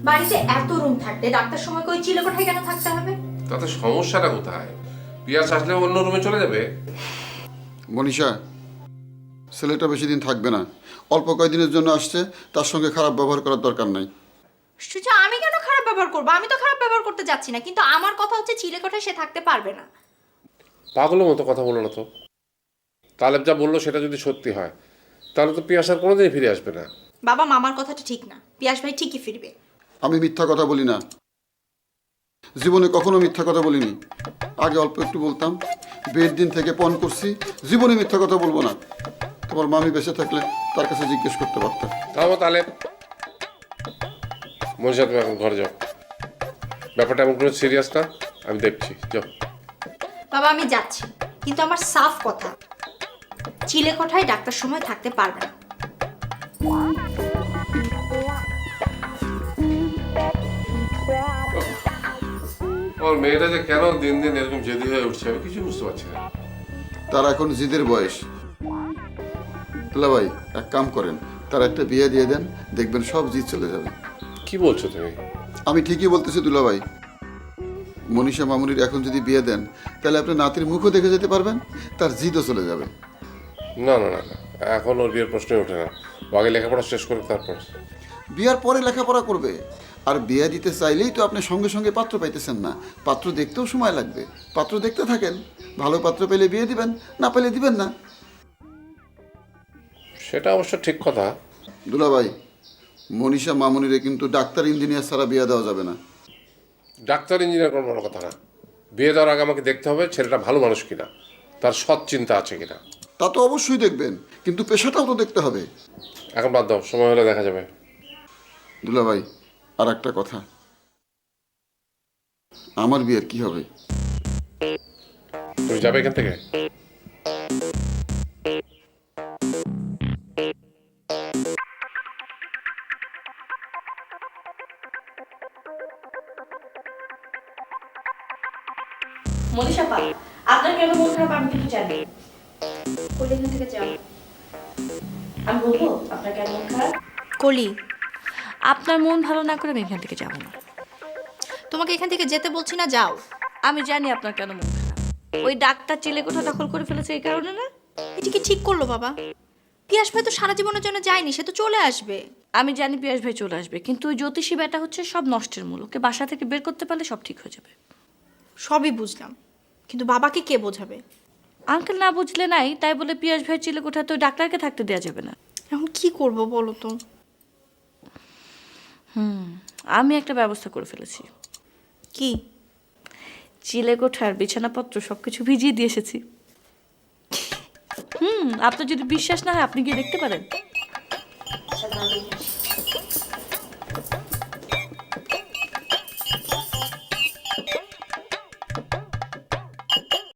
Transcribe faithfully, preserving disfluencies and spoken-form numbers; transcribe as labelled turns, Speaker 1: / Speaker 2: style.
Speaker 1: বাড়িতে এত রুম থাকতে ডাক্তার সময় কই চিলেকোঠায় কেন থাকতে হবে?
Speaker 2: তাতে সমস্যাটা কোথায়? পিয়াস আসলে অন্য রুমে চলে যাবে।
Speaker 3: মনীষা, ছেলেটা বেশি দিন থাকবে না। অল্প কয়েকদিনের জন্য আসছে, তার সঙ্গে খারাপ ব্যবহার করার দরকার নাই।
Speaker 1: সুজা, আমি কেন খারাপ ব্যবহার করবো? আমি তো খারাপ ব্যবহার করতে যাচ্ছি না, কিন্তু আমার কথা হচ্ছে চিলেকোঠায় সে থাকতে পারবে না।
Speaker 2: পাগলের মতো কথা বলো না তো। তালেব যা বললো সেটা যদি সত্যি হয় তাহলে তো পিয়াস আর কোনোদিনই ফিরে আসবে না।
Speaker 1: বাবা, মামার কথাটা ঠিক না। পিয়াস ভাই ঠিকই ফিরবে।
Speaker 3: আমি মিথ্যা কথা বলি না, জীবনে কখনো মিথ্যা কথা বলিনি। আগে অল্প একটু বলতাম, বিয়ের দিন থেকে পণ করছি, জীবনে মিথ্যা কথা বলবো না। তোমার মামি বেঁচে থাকলে তার কাছে জিজ্ঞেস করতে পারতাম।
Speaker 2: থামো তালেব, মনীষা তুমি এখন ঘরে যাও। ব্যাপারটা এমন কোনো সিরিয়াস না, আমি দেখছি, যাও।
Speaker 1: বাবা, আমি যাচ্ছি, কিন্তু আমার সাফ কথা, চিলেকোঠায় ডাক্তার সময় থাকতে পারবে না।
Speaker 2: ওর মেয়েটা যে কেন দিন দিন এরকম জেদি হয়ে উঠছে আমি কিছু বুঝতে পারছি না।
Speaker 3: তার এখন জিদের বয়স। তুলা ভাই, এক কাম করেন, তার একটা বিয়ে দিয়ে দেন, দেখবেন সব জিদ চলে যাবে।
Speaker 2: কি বলছো তুমি?
Speaker 3: আমি ঠিকই বলতেছি দুলা ভাই। মনীষা মামুনির এখন যদি বিয়ে দেন, তাহলে আপনি নাতির মুখও দেখে যেতে পারবেন, তার জিদও চলে যাবে।
Speaker 2: না না না না, এখন ওর বিয়ের প্রশ্নই ওঠে না। ও আগে লেখাপড়া শেষ করে তারপর।
Speaker 3: বিয়ার পরে লেখাপড়া করবে। আর বিয়ে দিতে চাইলেই তো আপনি সঙ্গে সঙ্গে পাত্র পাইতেছেন না, পাত্র দেখতেও সময় লাগবে। পাত্র দেখতে থাকেন, ভালো পাত্র পেলে বিয়ে দিবেন, না পেলে দিবেন না।
Speaker 2: সেটা অবশ্য ঠিক কথা।
Speaker 3: দুলা ভাই, মনীষা মামুনিরে কিন্তু ডাক্তার ইঞ্জিনিয়ার ছাড়া বিয়ে দেওয়া যাবে না।
Speaker 2: ডাক্তার ইঞ্জিনিয়ার কোনো বড় কথা না। বিয়ে দেওয়ার আগে আমাকে দেখতে হবে ছেলেটা ভালো মানুষ কিনা, তার সৎ চিন্তা আছে কিনা।
Speaker 3: তা তো অবশ্যই দেখবেন, কিন্তু পেশাটাও তো দেখতে হবে।
Speaker 2: এখন বাদ দাও, সময় হলে দেখা যাবে।
Speaker 3: দুলা ভাই, আর একটা কথা, আমার বিয়ের কি হবে?
Speaker 2: তুমি যাবে এখান থেকে?
Speaker 1: মনীষা পা, আপনার কেন মন খারাপ আমি কিন্তু জানি। কলি, এখান থেকে যাও। আমি বলবো আপনার কেন মন খারাপ? কলি,
Speaker 4: আপনার মন ভালো না করে আমি এখান থেকে যাবো না।
Speaker 1: তোমাকে এখান থেকে যেতে বলছি না, যাও।
Speaker 4: আমি জানি আপনার কেন মন খারাপ। ওই ডাক্তার চিলেকোঠা দখল করে ফেলেছে এই কারণে না?
Speaker 1: এটি কি ঠিক করলো বাবা? পিয়াস ভাই তো সারা জীবনের জন্য যায়নি, সে তো চলে আসবে।
Speaker 4: আমি জানি পিয়াস ভাই চলে আসবে, কিন্তু ওই জ্যোতিষী ব্যাটা হচ্ছে সব নষ্টের মূল। ওকে বাসা থেকে বের করতে পারলে সব ঠিক হয়ে যাবে।
Speaker 1: সবই বুঝলাম, কিন্তু বাবাকে কে বোঝাবে?
Speaker 4: আঙ্কেল না বুঝলে নাই, তাই বলে পিয়াস ভাই চিলেকোঠা তো ডাক্তারকে থাকতে দেওয়া যাবে না।
Speaker 1: এখন কি করব বলো তো?
Speaker 4: হুম আমি একটা ব্যবস্থা করে ফেলেছি।
Speaker 1: কি?
Speaker 4: চিলেকোঠার বিছানাপত্র সবকিছু ভিজিয়ে দিয়ে এসেছি। হুম আপনার যদি বিশ্বাস না হয় আপনি গিয়ে দেখতে পারেন।